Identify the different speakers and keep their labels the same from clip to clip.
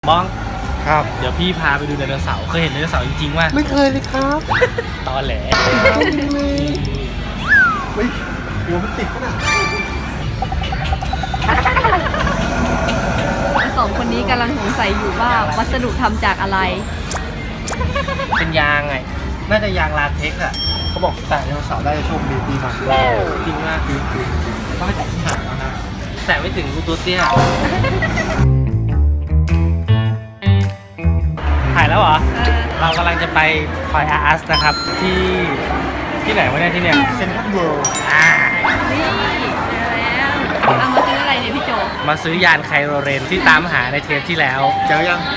Speaker 1: มอง
Speaker 2: ครับ
Speaker 1: เดี๋ยวพี่พาไปดูไดโนเสาร์เคยเห็นไดโนเสาร์จริงๆว่า
Speaker 2: ไม่เคยเลยครับ
Speaker 1: ตอนแหล
Speaker 2: เฮ้ยหัวมันติดขนาด
Speaker 3: สองคนนี้กำลังสงสัยอยู่ว่าวัสดุทำจากอะไร
Speaker 1: เป็นยางไงน่าจะยางลาเท็กซ์อ่ะ
Speaker 2: เขาบอกแต่ไดโนเสาร์ได้โชคดีปีมาก
Speaker 1: จริงมาก
Speaker 2: คือต้องไปแต่ที่หางแล้วนะ
Speaker 1: แต่ไม่ถึงกูตัวเตี้ยถ่ายแล้วเหรอเรากำลังจะไปคอยอาร์สนะครับที่ไหนวะเนี่ยที่เนี่ย
Speaker 2: เซ็นทรัลเวิลด์
Speaker 3: นี่เจอแล้วเอามาซื้ออะไรเนี่ยพี่โจ
Speaker 1: มาซื้อยานไคโรเรนที่ตามหาในเทปที่แล้ว
Speaker 2: เจอยัง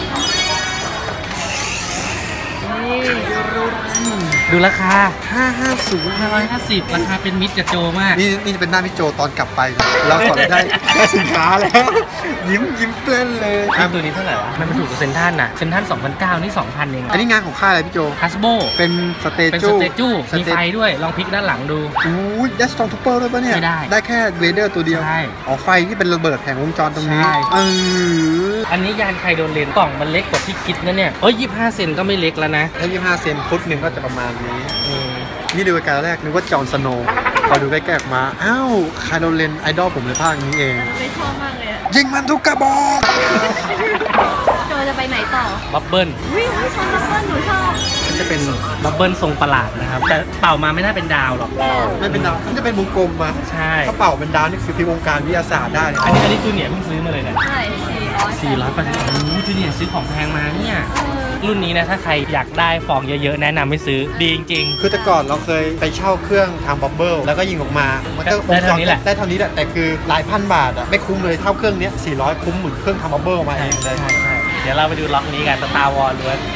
Speaker 1: ดูราคา
Speaker 2: 550
Speaker 1: ราคาเป็นมิตรกับโจมาก
Speaker 2: นี่จะเป็นหน้าพี่โจตอนกลับไปเราสอนได้สินค้าแล้วยิ้มเต้นเลย
Speaker 1: ตัวนี้เท่าไหร่วะมันถูกกับเซนทันน่ะเซนทัน 2,900 นี่ 2,000 เอง
Speaker 2: อันนี้งานของค่ายอะไรพี่โจ
Speaker 1: ฮัสโบ
Speaker 2: เป็นสเตจู
Speaker 1: มีไฟด้วยลองพลิกด้านหลังดู
Speaker 2: อู้ยได้สตองทูเปอร์ด้วยปะเนี่ย
Speaker 1: ไม่
Speaker 2: ได้แค่เวเดอร์ตัวเดียว
Speaker 1: ใช่
Speaker 2: อ๋อไฟที่เป็นระเบิดแผงวงจรตรงนี้
Speaker 1: อันนี้ยานไคโดนเลนกล่องมันเล็กกว่าที่คิดนะเนี่ย25 เซนก็ไม่เล็กแล้วนะ
Speaker 2: ถ้า25 เซนฟุตหนึ่งก็จะประมาณนี้นี่ดูใกล้ๆแรกนึกว่าจอห์นสโนว์พอดูใกล้ๆออกมาอ้าวไคโดเลนไอดอลผมเลยภาคนี้เอง
Speaker 3: ไม่ชอบมากเลยอะ
Speaker 2: ยิงมันทุกกระบอก
Speaker 3: โจจะไปไหนต่อ
Speaker 1: บับเบิ้ล
Speaker 3: วิ่งชอบบับเบิ้ลหนูชอบ
Speaker 1: มันจะเป็นบับเบิ้ลทรงประหลาดนะครับแต่เป่ามาไม่น่าเป็นดาวหรอก
Speaker 2: ไม่เป็นดาวมันจะเป็นวงกลมมา
Speaker 1: ใช่
Speaker 2: ถ้าเป่าเป็นดาวนี่คือที่วงการวิทยาศาสตร์ได้
Speaker 1: อันนี้จูเนียร์เพิ่งซื้อมาเลยเนี่ย
Speaker 3: ใช่
Speaker 1: 400จูเนียร์ซื้อของแพงมาเนี่ยรุ่นนี้นะถ้าใครอยากได้ฟองเยอะๆแนะนำให้ซื้อดีจริง
Speaker 2: ๆคือแต่ก่อนเราเคยไปเช่าเครื่องทำบับเบิ้ลแล้วก็ยิงออกมามันก็
Speaker 1: ได้เท่านี้แหละ
Speaker 2: แต่คือหลายพันบาทอะไม่คุ้มเลยเท่าเครื่องนี้400คุ้มเหมือนเครื่องทำบับเบิ้ลมาเองเลย
Speaker 1: ใช่เดี๋ยวเราไปดูล็อกนี้กันตาร์วอลล้วน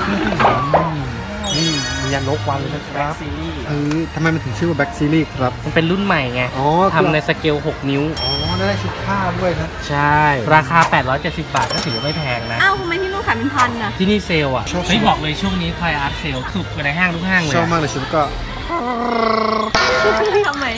Speaker 2: นี่มียันนกวางเลยนะครับ
Speaker 1: ซีรีส์
Speaker 2: ทำไมมันถึงชื่อว่าแบ็กซีรีส์ครับ
Speaker 1: มันเป็นรุ่นใหม่ไงทำในสเกล6 นิ้ว
Speaker 2: ได้ชุดผ้าด้วยนะ
Speaker 1: ใช่ราคา870 บาทก็ถือว่าไม่แพงนะ
Speaker 3: อ้าวทำไมที่นู่นขายเป็นพันอะ
Speaker 1: ที่นี่เซลอ่ะไม่บอกเลยช่วงนี้คอยอาร์ตเซลสุดกว่าในห้างทุกห้างเลย
Speaker 2: ชอบมากเลยชุดก็
Speaker 3: ทำไม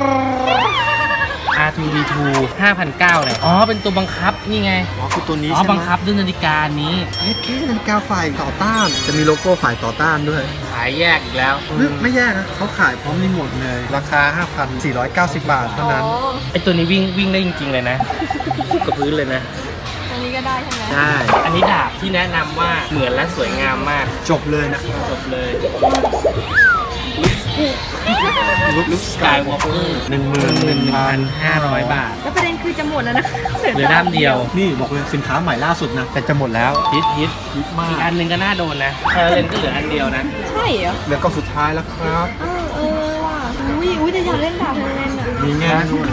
Speaker 1: R2D2 5,900เลยเป็นตัวบังคับนี่ไง
Speaker 2: คือตัวนี้ใช่ไหม
Speaker 1: บังคับด้วยนาฬิกานี้
Speaker 2: แค่นาฬิกาฝ่ายต่อต้านจะมีโลโก้ฝ่ายต่อต้านด้วย
Speaker 1: ขายแยกอีกแล้ว
Speaker 2: ไม่แยกนะเขาขายพร้อมรีโมทเลยราคา 5,490 บาทเท่านั้น
Speaker 1: ไอตัวนี้วิ่งได้จริงๆเลยนะกับพื้นเลยนะ
Speaker 3: อันนี้ก็ได้ใช่ไหม
Speaker 1: ใช่อันนี้ดาบที่แนะนำว่าเหมือนและสวยงามมาก
Speaker 2: จบเลยนะ
Speaker 1: จบเลยลุคสกายวอล์กเกอร์11,500 บาท
Speaker 3: แล้วประเด็นคือจะหมดแล้วนะ
Speaker 1: เหลือด้ามเดียว
Speaker 2: นี่บอกเลยสินค้าใหม่ล่าสุดนะแต่จะหมดแล้ว
Speaker 1: ฮิตมากอีกอันนึงก็น่าโดนนะเลนก็เหลืออันเดียวนะ
Speaker 3: ใช่เหรอ
Speaker 2: เหลือก็สุดท้ายแล้วครับ
Speaker 3: ว่ะอุ้ยแต่อยากเล่นดาบเล่นอ่ะ
Speaker 2: มีแง่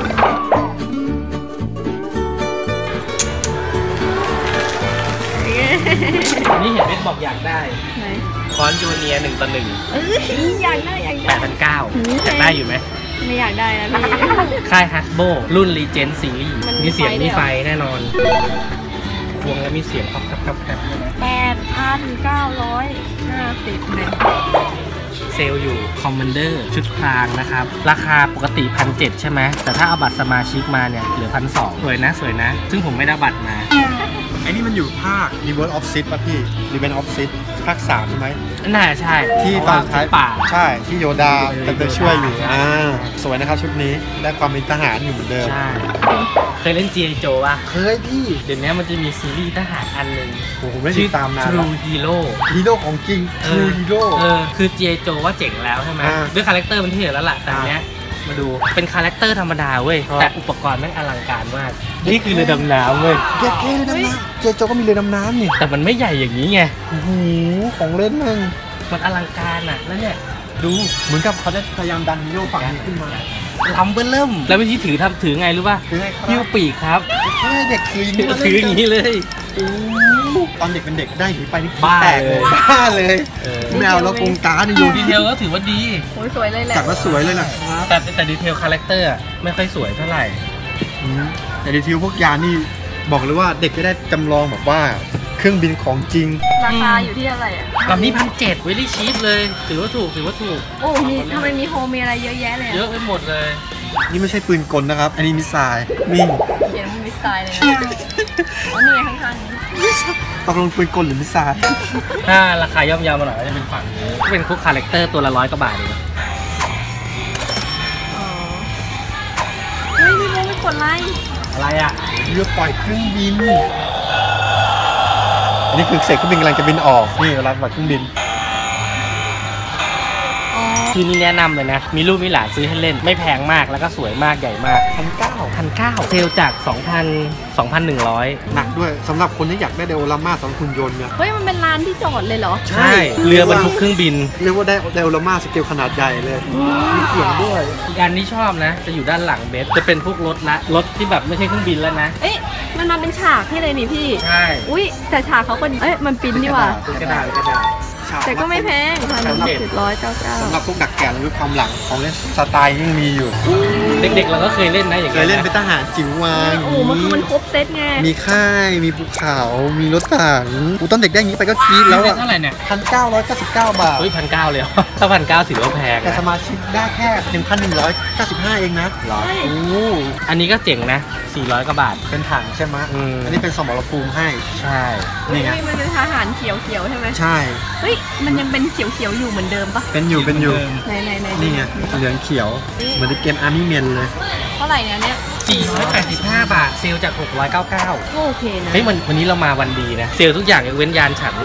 Speaker 1: นี่เห็นเม็ดบอกอยากได้คอนจูเนีย1 ต่อ 1
Speaker 3: อยากได้
Speaker 1: 8,900อยากได้อยู่ไหม
Speaker 3: ไม่อยากได้นะพี่
Speaker 1: ค่ายฮัสโบรุ่นรีเจนซีรีส์มีเสียงมีไฟแน่นอนวงแล้วมีเสียงครับ
Speaker 3: 8,950เนี่ย
Speaker 1: เซลอยู่คอมมานเดอร์ชุดพรางนะครับราคาปกติ 1,700 ใช่ไหมแต่ถ้าเอาบัตรสมาชิกมาเนี่ยเหลือ 1,200 สวยนะซึ่งผมไม่ได้บัตรมา
Speaker 2: ไอ้นี่มันอยู่ภาค Reverse of Sith ป่ะพี่ Reverse of Sith ภาค 3ใช่ไหม
Speaker 1: น่าใช่
Speaker 2: ที่ตอนท้ายป่าใช่ที่โยดาจะช่วยอยู่สวยนะครับชุดนี้ได้ความเป็นทหารอยู่เหมือนเดิม
Speaker 1: ใช่เคยเล่น G.I. Joe ป่ะ
Speaker 2: เคยพี่
Speaker 1: เดี๋ยวนี้มันจะมีซีรีส์ทหารอันหนึ่ง
Speaker 2: ผมไม่ติดตามนาน
Speaker 1: True Hero
Speaker 2: ของจริง True Hero
Speaker 1: คือ G.I. Joe ว่าเจ๋งแล้วใช่ไหมด้วยคาแรคเตอร์มันเท่แล้วล่ะแต่เนี้ยมาดูเป็นคาแรคเตอร์ธรรมดาเว้ยแต่อุปกรณ์แม่งอลังการมากนี่คือเรือดำน้ำเว้ย
Speaker 2: เรือดำน้ำเจโจก็มีเรือดำน้ำนี่
Speaker 1: แต่มันไม่ใหญ่อย่างนี้ไง
Speaker 2: โอ้โหของเล่น
Speaker 1: มันอลังการอ่ะแล้วเนี่ยดู
Speaker 2: เหมือนกับเขาได้พยายามดันฮีโร่ฝั่งนี้ขึ้นมา
Speaker 1: ล้ำเบิ้ลเริ่มแล้ววิธีถือไงรู้ป่ะหิ้วปีกครับ
Speaker 2: เด็กถือ
Speaker 1: อย่างนี้เลย
Speaker 2: ตอนเด็กเป็นเด็กได้หนีไปนี่บ้าเลยแมวแล้วกงการอยู่
Speaker 1: ดีเทลก็ถือว่าดี
Speaker 3: สวยเลยแหละ
Speaker 2: จัดว่าสวยเลยนะ
Speaker 1: แต่ดีเทลคาแรคเตอร์ไม่ค่อยสวยเท่าไหร่
Speaker 2: แต่ดีเทลพวกยานี่บอกเลยว่าเด็กก็ได้จำลองแบบว่าเครื่องบินของจริง
Speaker 3: ราคาอยู่ที่อะไรอ่ะ
Speaker 1: ลำนี้1,700เวลี่ชีพเลยถือว่าถูก
Speaker 3: โอ้มีทำไมมีโฮมีอะไรเยอะแยะเลย
Speaker 1: เยอะไปหมดเลย
Speaker 2: นี่ไม่ใช่ปืนกลนะครับอันนี้มิสไซล์นี่
Speaker 3: เขียนว่ามิสไซล์เลยนะอ๋อนี่ข้างๆนี้
Speaker 2: มิสไซตกลงปืนกลหรือมิสไซล์
Speaker 1: ถ้าราคาย่อมเยาวมาหน่อยก็จะเป็นฝั่งนี้เป็นพวกคาแรคเตอร์ตัวละ100 กว่าบาทเอง
Speaker 3: อ๋อเฮ้ยพี่โมไม่กดไลค์
Speaker 1: อะไรอ่ะ
Speaker 2: เรือปล่อยเครื่องบินอันนี้คือเศษเครื่องบินกำลังจะบินออกนี่เวลาปล่อยเครื่องบิน
Speaker 3: อ๋อ
Speaker 1: คือนี่แนะนำเลยนะมีลูกมีหลานซื้อให้เล่นไม่แพงมากแล้วก็สวยมากใหญ่มาก 1,900เซลจาก 2,100
Speaker 2: หนักด้วยสำหรับคนที่อยากได้ไดโอรามาสำหรับหุ่นยนต์เนี่ย
Speaker 3: เฮ้ยมันเป็นร้านที่จอดเลยเหรอ
Speaker 1: ใช่เรือบรรทุกเครื่องบิน
Speaker 2: เรียกว่าได้ไดโอรามาสเกลขนาดใหญ่เลยมีเสียงด้วย
Speaker 1: อีกอันที่ชอบนะ จะอยู่ด้านหลังเบสจะเป็นพวกรถที่แบบไม่ใช่เครื่องบินแล้วนะ
Speaker 3: เอ๊ะมันมาเป็นฉากให้เลยนี่พี่
Speaker 1: ใช่
Speaker 3: อุ้ยแต่ฉากเขาก็เอ๊ะมันปิ้นนี่หว่า
Speaker 1: กระดาษ
Speaker 3: แต่ก็ไม่แพง1,799
Speaker 2: สำหรับพวกดักแก่หรือความหลังของเล่นสไตล์ยังมีอยู่
Speaker 1: เด็กๆเราก็เคยเล่นนะอย่าง
Speaker 2: เคยเล่นเป็นทหารจิ๋ววาง
Speaker 3: โอ้โหมันคือมันครบเซตไง
Speaker 2: มีค่ายมีภูเขามีรถถังตอนเด็กได้อย่างนี้ไปก็กรี๊ดแล้วอ่ะ
Speaker 1: เท่าไหร่เนี่ย
Speaker 2: 1,999 บาท
Speaker 1: เฮ้ย1,900เลยเหรอถ้า1,900ถือว่าแพง
Speaker 2: แต่ส
Speaker 1: นะ
Speaker 2: มาชิกได้แค่ 1,195 เองนะ
Speaker 1: หรอ
Speaker 3: เฮ้ย
Speaker 2: โอ้
Speaker 1: อันนี้ก็เจ๋งนะ400 กว่าบาท
Speaker 2: เป็นถังใช่ไหม
Speaker 1: อืม
Speaker 2: อันนี้เป็นสมรภูมิให้
Speaker 1: ใช่
Speaker 2: นี่ไง
Speaker 3: เฮ้ยมันเป็นทหารเขียวๆใช่ไหม
Speaker 2: ใช่
Speaker 3: เฮ้ยมันยังเป็นเขียวๆอยู่เหมือนเดิมปะ
Speaker 2: เป็นอยู่
Speaker 3: ไหน
Speaker 2: นี่ไงเหลืองเขียวเหมือนในเกม Army Men เลย
Speaker 3: เท่าไหร่เนี่ย
Speaker 1: 485 บาทเซลลจาก 699
Speaker 3: ก็โอเคนะ
Speaker 1: เฮ้ยวันนี้เรามาวันดีนะ เซลลทุกอย่างยกเว้นยานฉัน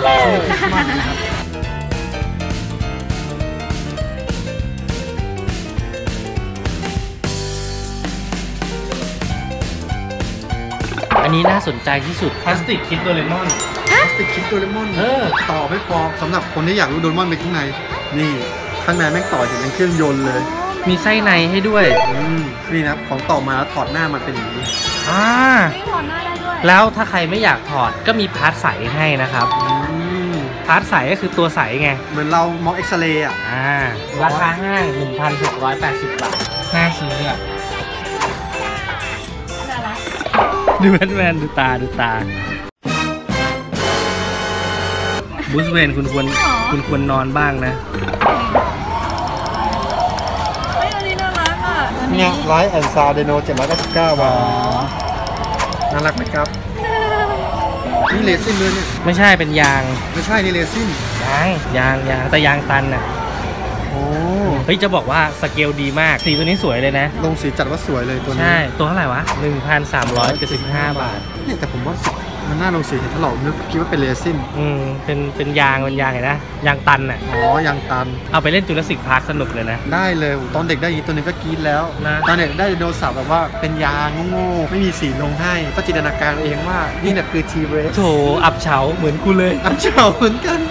Speaker 1: อันนี้น่าสนใจที่สุดพลาสติกคิดโดเรมอน
Speaker 2: พลาสติกคิดโดเรมอน ต่อไม่พอสำหรับคนที่อยากรู้โดเรมอนเป็นข้างในนี่ข้างในแม่งต่ออย่างเป็นเครื่องยนต์เลย
Speaker 1: มีไส้ในให้ด้วย
Speaker 2: นี่นะของต่อมาแล้วถอดหน้ามันเป็นอย่างนี้
Speaker 1: อ่า
Speaker 3: ไม่ถอดหน้าได้ด้วย
Speaker 1: แล้วถ้าใครไม่อยากถอดก็มีพาร์ทใสให้นะครับ พาร์ทใสก็คือตัวใสไง
Speaker 2: เหมือนเรามองเอ็กซเรย์อ่ะ
Speaker 1: ราคาห้าง 1,680 บาท น่าซื้ออ่ะ
Speaker 3: น่ารัก
Speaker 1: ดูแมนดูตาบูสเวนคุณควรนอนบ้างนะ
Speaker 3: เฮ้ยอันนี้น่ารักอ่ะอัน
Speaker 2: เนี่
Speaker 3: นี้
Speaker 2: ยไลท์แอนด์ซาวเดโน799 บาทน่ารักไหมครับ นี่เลซินด้วยเนี่ย
Speaker 1: ไม่ใช่เป็นยาง
Speaker 2: ไม่ใช่นี่เลซิน
Speaker 1: ยางแต่ยางตันน่ะ
Speaker 2: โอ้
Speaker 1: เฮ้ยจะบอกว่าสเกลดีมาก สีตัวนี้สวยเลยนะ
Speaker 2: ลงสีจัดว่าสวยเลยตัวนี้
Speaker 1: ใช่ ตัวเท่าไหร่วะ 1,375 บาท
Speaker 2: เนี่ยแต่ผมว่ามันน่าลงสีเห็นถ้าเรานึกคิดว่าเป็นเลซิน
Speaker 1: เป็นยางเห็นนะ ยางตันน่ะ
Speaker 2: อ๋อยางตัน
Speaker 1: เอาไปเล่นจูราสสิกพาร์คสนุกเลยนะ
Speaker 2: ได้เลยตอนเด็กได้ยินตัวนึงก็กรี๊ดแล้ว
Speaker 1: นะ
Speaker 2: ตอนเด็กได้ไดโนเสาร์แบบว่าเป็นยางโง่ๆไม่มีสีลงให้ก็จินตนาการเองว่านี่เนี่ยคือทีเรส
Speaker 1: โถอับเฉาเหมือนกูเลย
Speaker 2: อับเฉาเหมือนกัน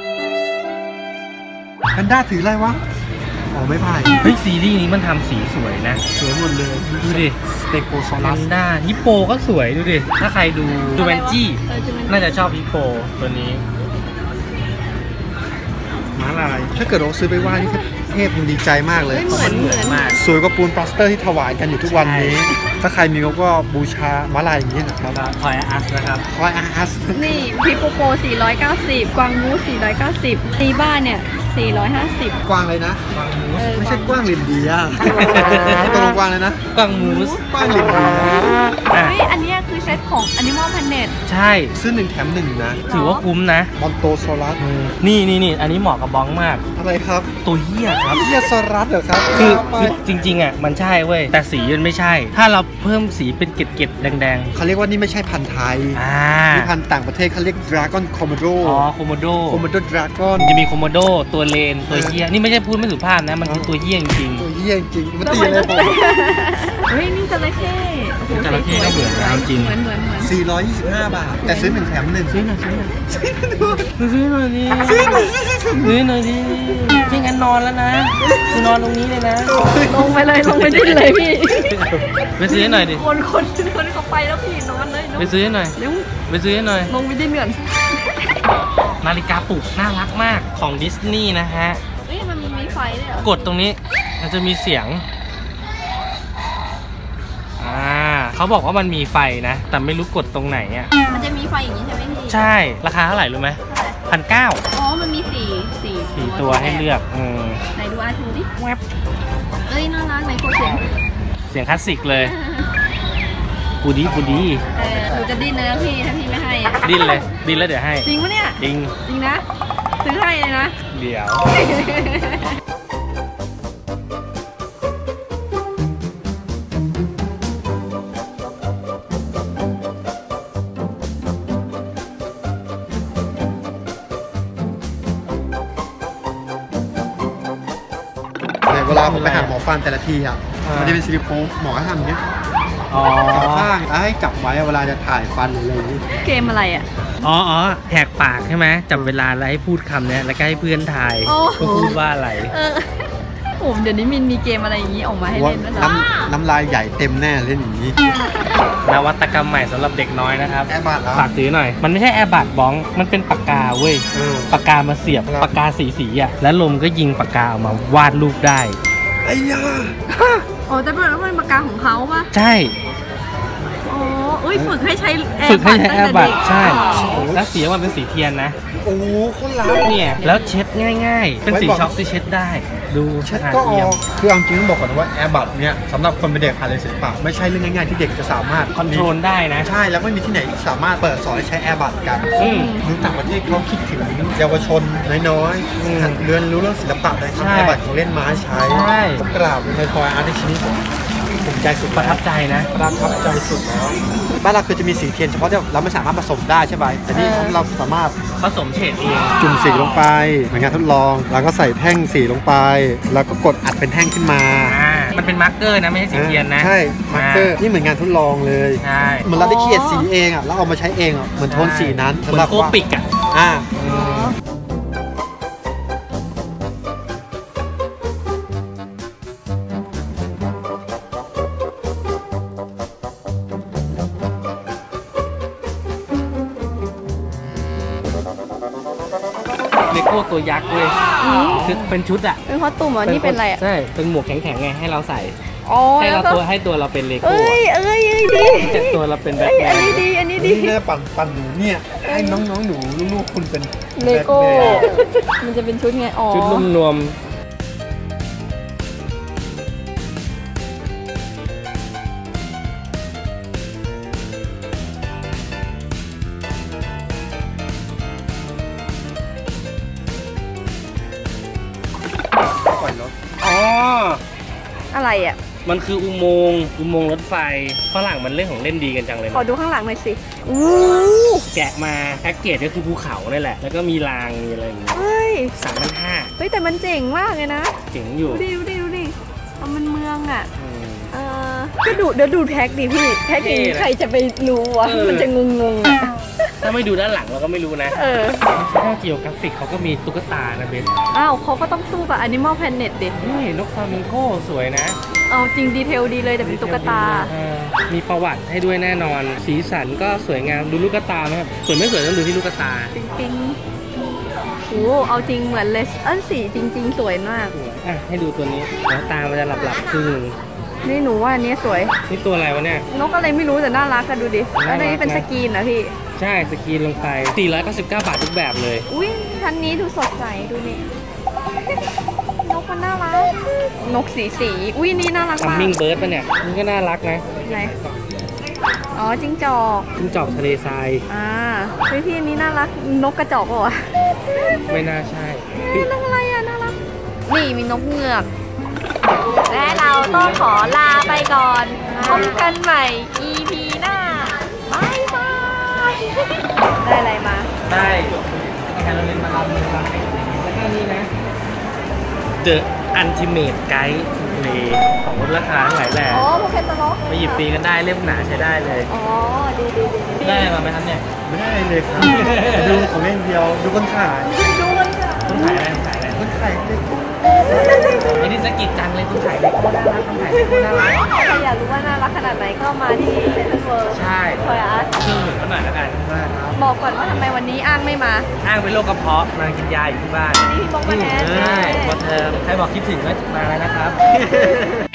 Speaker 2: แพนด้าถืออะไรวะอ๋อไม่พาย
Speaker 1: เฮ้ยซีรีส์นี้มันทำสีสวยนะ
Speaker 2: สวยหมดเลย
Speaker 1: ดูดิ
Speaker 2: สเตโกซอ
Speaker 1: แพ
Speaker 2: รัส
Speaker 1: นด้าฮิปโปก็สวยดูดิ ถ้าใครดูแวนจี้
Speaker 3: จูแมนจี้
Speaker 1: น่าจะชอบฮิปโปตัวนี้
Speaker 2: ม้าลายถ้าเกิดเราซื้อไปไหว้นี่เทพมันดีใจมากเลย
Speaker 3: เฮ้ยเหมือน
Speaker 1: มาก
Speaker 2: สวยกว่าปูนปลาสเตอร์ที่ถวายกันอยู่ทุกวันนี้ ถ้าใครมีก็บูชาม้าลายอย่างนี้นะครับ
Speaker 1: ทอยอาร์ตนะครับ
Speaker 2: คอยอาร์ส
Speaker 3: นี่พิโปโป490 กวางมูส490ตีบ้านเนี่ย450
Speaker 2: กว้างเลยนะ ไม่ใช่กว้างลินเดียตกลงกว้างเลยนะ
Speaker 1: กวางมูส
Speaker 2: กว้างลินเดีย
Speaker 1: อ่ะ
Speaker 3: เฮ้ยอันเนี้ยคือเซตของ Animal Planet
Speaker 1: ใช่
Speaker 2: ซื้อ1 แถม 1 นะ
Speaker 1: ถือว่าคุ้มนะ
Speaker 2: มอนโตโซรัส
Speaker 1: นี่อันนี้เหมาะกับบ้องมาก
Speaker 2: อะไรครับ
Speaker 1: ตัวเหี้ยครับ
Speaker 2: เฮียโซรัสเหรอครับ
Speaker 1: คือ
Speaker 2: ไป
Speaker 1: จริงๆอ่ะมันใช่เว้ยแต่สีมันไม่ใช่ ถ้าเราเพิ่มสีเป็นเกล็ดๆแดง
Speaker 2: เขาเรียกว่านี่ไม่ใช่พันธุ์ไทย
Speaker 1: ๆ
Speaker 2: นี่พันธุ์ต่างประเทศเขาเรียก Dragon Komodo
Speaker 1: อ๋อโคโมโด
Speaker 2: Komodo Dragon
Speaker 1: จะมีโคโมโดตัวเลนตัวเหี้ยนี่ไม่ใช่พูดไม่สุภาพนะมันคือตัวเหี้ยจริง
Speaker 2: ตัวเฮียจริงมันตีอะไรผม
Speaker 3: เฮ้ยนี่จระเข้โอ้โห
Speaker 1: จระเข้ก็เหมือนนะจริง
Speaker 3: เหมือน
Speaker 2: 425 บาท แต่ซื้อ1 แถม 1
Speaker 1: ซื้อหน่อยดิซื้อหน่อยดิไม่งั้นนอนแล้วนะคือนอนตรงนี้เลยนะ
Speaker 3: ลงไปเลยลงไปดิ้นเลยพี่
Speaker 1: ไปซื้อให้หน่อยดิ
Speaker 3: คนเขาไปแล้วพี่นอนเลย
Speaker 1: ไปซื้อให้หน่อย
Speaker 3: เร็ว
Speaker 1: ไปซื้อให้หน่อย
Speaker 3: ลงไปดิ้นก่อน
Speaker 1: นาฬิกาปลุกน่ารักมากของดิสนีย์นะฮะ
Speaker 3: เฮ้ยมันมีไฟด้วยเหรอก
Speaker 1: ดตรงนี้มันจะมีเสียงเขาบอกว่ามันมีไฟนะ แต่ไม่รู้กดตรงไหนอ่ะ
Speaker 3: มันจะมีไฟอย่างนี้ใช่ไหมพี่
Speaker 1: ใช่ราคาเท่าไหร่รู้ไหม
Speaker 3: เท่าไหร่
Speaker 1: 1,900
Speaker 3: อ๋อมันมี4
Speaker 1: 4 ตัวให้เลือก
Speaker 3: ไหนดูอาทูดิ
Speaker 1: แวบ
Speaker 3: เอ้ยน่ารักไหนกดเสียง
Speaker 1: เสียงคลาสสิกเลยปูดีปูดี
Speaker 3: หนูจะดิ้นเลยนะพี่ถ้าพี่ไม่ให้อะ
Speaker 1: ดิ้นเลยดิ้นแล้วเดี๋ยวให้
Speaker 3: จริงปะเนี่ย
Speaker 1: จริง
Speaker 3: จริงนะซื้อให้เลยนะ
Speaker 1: เดี๋ยว
Speaker 2: เวลาผมไปหาหมอฟันแต่ละทีอ่ะมันจะเป็นซิลิโคนหมอก็ทำอย่างเงี้ย
Speaker 1: อ๋อ
Speaker 2: จับข้างแล้วให้จับไว้เวลาจะถ่ายฟันหรืออะไรอย่างงี้
Speaker 3: เกมอะไรอ่ะ
Speaker 1: อ๋อแหกปากใช่ไหมจับเวลาแล้วให้พูดคำเนี้ยแล้วก็ให้เพื่อนทาย
Speaker 3: โอ้โห
Speaker 1: ก็พูดว่าอะไร
Speaker 3: โอ้เดี๋ยวนี้มีเกมอะไรอย่างนี้ออกมาให้
Speaker 2: ว่า
Speaker 3: เล่นแล้วเหรอ
Speaker 2: น้ำลายใหญ่เต็มแน่เล่นอย่างนี้
Speaker 1: นวัตกรรมใหม่สำหรับเด็กน้อยนะครับ
Speaker 2: แอร์บัตเหรอ
Speaker 1: ฝากถือหน่อย มันไม่ใช่แอร์บัตบ้อง มันเป็นปากกาเว้ย ปากกามาเสียบ
Speaker 2: ครับ
Speaker 1: ปากกาสีอ่ะ แล้วลมก็ยิงปากกาออกมาวาดรูปได้
Speaker 2: ไอ้ยา
Speaker 3: อ๋อแต่เป็นปากกาของเขาปะ
Speaker 1: ใช่
Speaker 3: อ๋อเอ้ยฝึกให้ใช้แอ
Speaker 1: ฝึก
Speaker 3: ร์
Speaker 1: ให้
Speaker 3: บัต
Speaker 1: ใช้
Speaker 3: ตั้ง
Speaker 1: แอ
Speaker 3: แต่
Speaker 1: ร์บั
Speaker 3: เด็
Speaker 1: ต
Speaker 3: ก
Speaker 1: ใช่
Speaker 3: อ๋อ
Speaker 1: แล้วสีมันเป็นสีเทียนนะ
Speaker 2: โอ้โหคนรัก
Speaker 1: เนี่ย แล้วเช็ดง่ายๆ เป็นสี
Speaker 2: ไว้บอก
Speaker 1: ช็อกที่เช็ดได้ ดู
Speaker 2: เช็ด
Speaker 1: สะอา
Speaker 2: ก็อ
Speaker 1: เอี่ย
Speaker 2: อ
Speaker 1: ม
Speaker 2: กคือเอาจริงต้องบอกก่อนนะว่าแอร์บัตเนี่ยสำหรับคนเป็นเด็กผ่านเรียนศิลปะไม่ใช่เรื่องง่ายๆที่เด็กจะสามารถ
Speaker 1: คอนโทรลได้นะ
Speaker 2: ใช่แล้วไม่มีที่ไหนสามารถเปิดสอนให้ใช้แอร์บัตกัน
Speaker 1: อืม
Speaker 2: คือต่างประเทศเขาคิดถึงเยาวชนน้อย
Speaker 1: อืม
Speaker 2: ๆเรียนรู้เรื่องศิลปะได้
Speaker 1: ใช่
Speaker 2: ทำแอร์บัตของเล่นมาให้ใช้
Speaker 1: ใช่
Speaker 2: ต้องกราบในทอยอาร์ตชิ้นนี้ภูมิใจสุด
Speaker 1: ประทับใจนะ
Speaker 2: ประทับใจสุดแล้วบ้านเราคือจะมีสีเทียนเฉพาะที่เราไม่สามารถผสมได้ใช่ไหมแต่นี่ของเราสามารถ
Speaker 1: ผสมเฉดเอง
Speaker 2: จุ่มสีลงไปเหมือนงานทดลอง แล้วก็ใส่แท่งสีลงไป แล้วก็กดอัดเป็นแท่งขึ้นมา
Speaker 1: มันเป็นมาร์กเกอร์นะ ไม่ใช่สีเทียนนะ
Speaker 2: ใช่มาร์กเกอร์นี่เหมือนงานทดลองเลย
Speaker 1: ใช่
Speaker 2: เหมือนเราได้เขียนสีเองอ่ะแล้วเอามาใช้เองอ่ะเหมือนโทนสีนั้น
Speaker 1: เหมือนโคปิกอ่ะ
Speaker 2: อ่า
Speaker 3: อ๋อ
Speaker 1: เลโก้ตัวยักษ์เว้ย
Speaker 3: อืม
Speaker 1: คือเป็นชุดอ่ะ
Speaker 3: เป็นคอสตูมเหรอนี่เป็นอะไรอ่ะ
Speaker 1: ใช่ เป็นหมวกแข็งๆไงให้เราใส่
Speaker 3: อ๋อ
Speaker 1: ให้
Speaker 3: แล้ว
Speaker 1: เรา
Speaker 3: ก็
Speaker 1: ให้ตัวเราเป็นเลโก้
Speaker 3: เอ้ยดี
Speaker 1: แต่ตัวเราเป็นแบท
Speaker 3: เอ้ย
Speaker 1: แม
Speaker 3: อัน
Speaker 1: น
Speaker 3: นี้ดีอันนี้ดี
Speaker 2: นี่น่าปั่นหนูเนี่ยให้น้องๆหนูลูกๆคุณเป็น
Speaker 3: เลโก้
Speaker 2: แบทแมน
Speaker 3: มันจะเป็นชุดไงอ๋อ
Speaker 1: ชุดนุ่มนวม
Speaker 2: ปล่อยรถ
Speaker 1: อ๋อ
Speaker 3: อะไรอ่ะ
Speaker 1: มันคืออุโมงค์รถไฟฝรั่งมันเล่นของเล่นดีกันจังเลย
Speaker 3: ขอ
Speaker 1: นะ
Speaker 3: ดูข้างหลังหน่อยสิอู้
Speaker 1: แกะมาแพ็กเกจก็คือภูเขานี่แหละ แล้วก็มีรางมีอะไรอย่างเงี้ย
Speaker 3: เฮ้ย
Speaker 1: 3,500
Speaker 3: เฮ้ยแต่มันเจ๋งมากเลยนะ
Speaker 1: เจ๋งอยู่
Speaker 3: ดูดิเอามันเมืองอ่ะ
Speaker 1: อืม
Speaker 3: ก็ดูเดี๋ยวดูแท็กดิพี่ แท็กอย่างนี้
Speaker 1: เท่นะ
Speaker 3: ใครจะไปรู้วะ
Speaker 1: เออ
Speaker 3: มันจะงงๆอ่ะ
Speaker 1: ถ้าไม่ดูด้านหลังเราก็ไม่รู้นะ
Speaker 3: เออ
Speaker 1: ถ้าเกี่ยวกราฟิกเขาก็มีตุ๊กตานะเบน
Speaker 3: อ้าวเขาก็ต้องสู้กับ Animal Planet ดิ
Speaker 1: นี่นกฟลามิงโกสวยนะ
Speaker 3: เอาจริงดีเทลดีเลยแต่เป็นตุ๊กตา
Speaker 1: เออมีประวัติให้ด้วยแน่นอน สีสันก็สวยงามดูลูกตาไหมครับสวยไม่สวยต้องดูที่ลูกตา
Speaker 3: ปิ๊งๆโอ้เอาจริงเหมือนเลยสีจริง ๆ สวยมาก
Speaker 1: อ่ะให้ดูตัวนี้แล้วตามันจะหลับๆครึ่งหนึ่ง
Speaker 3: นี่หนูว่าอันนี้สวย
Speaker 1: นี่ตัวอะไรวะเนี่ย
Speaker 3: นกอะไรไม่รู้แต่น่ารักกันดูดิ
Speaker 1: น่ารัก
Speaker 3: แล้วในนี้เป็น
Speaker 1: นะ
Speaker 3: สกรีนนะพี่
Speaker 1: ใช่สกรีนลงไป 499 บาททุกแบบเลย
Speaker 3: อุ้ยทันนี้ดูสดใสดูนี่ นกมันน่ารัก นกสีอุ้ยนี่น่ารัก
Speaker 1: ทัม
Speaker 3: มาก
Speaker 1: มิ่งเบิร์ดป่ะเนี่ยนี่ก็น่ารักนะ
Speaker 3: ไหนอ๋อจิ้งจอก
Speaker 1: จิ้งจอกทะเลทราย
Speaker 3: เฮ้ยพี่อันนี้น่ารัก นกกระจอกเหรอวะ
Speaker 1: ไม่น่าใช่
Speaker 3: เฮ้ยนกอะไรอ่ะน่ารัก นี่มีนกเงือก และเราต้องขอลาไปก่อนพบกันใหม่ EP หน้าบายบายได้อะไรมา
Speaker 1: ได้แคโรเลนมาลำแล้วก็นี่นะ The Ultimate Guide to Play ของลดราคาทั้งหลายแหล่
Speaker 3: อ๋อโปเกมอนล็อก
Speaker 1: ไปหยิบฟรีกันได้เล่มหนาใช้ได้เลย
Speaker 3: อ๋อดี
Speaker 1: ได้อะไรมาไหมครับเนี่ย
Speaker 2: ไม่ได้เลยครับดูของเล่นเดียวดูคนขาย
Speaker 3: ดูมันค่ะ
Speaker 1: คุณขายอะไรคุณขายอะไร
Speaker 2: คนขายเด็ก
Speaker 1: ไอ้นี่สะกิดจังเลยคุณขายเลโก้น่ารักคุณขายเลโก้น่ารัก
Speaker 3: ใครอยากรู้ว่าน่ารักขนาดไหนก็มาที่เซ็นทรัลเวิลด์
Speaker 1: ใช่
Speaker 3: ทอยอาร์ต
Speaker 1: ชื่อเหมือนกันหน่อยแล้วกัน
Speaker 2: มากครับ
Speaker 3: บอกก่อนว่าทำไมวันนี้อ้างไม่มา
Speaker 1: อ้างเป็นโรคกระเพาะมากินยาอยู่ที่บ้าน
Speaker 3: นี่พี่บอกมาแทน
Speaker 1: ใช่พอเธอใครบอกคิดถึงก็มาแล้วนะครับ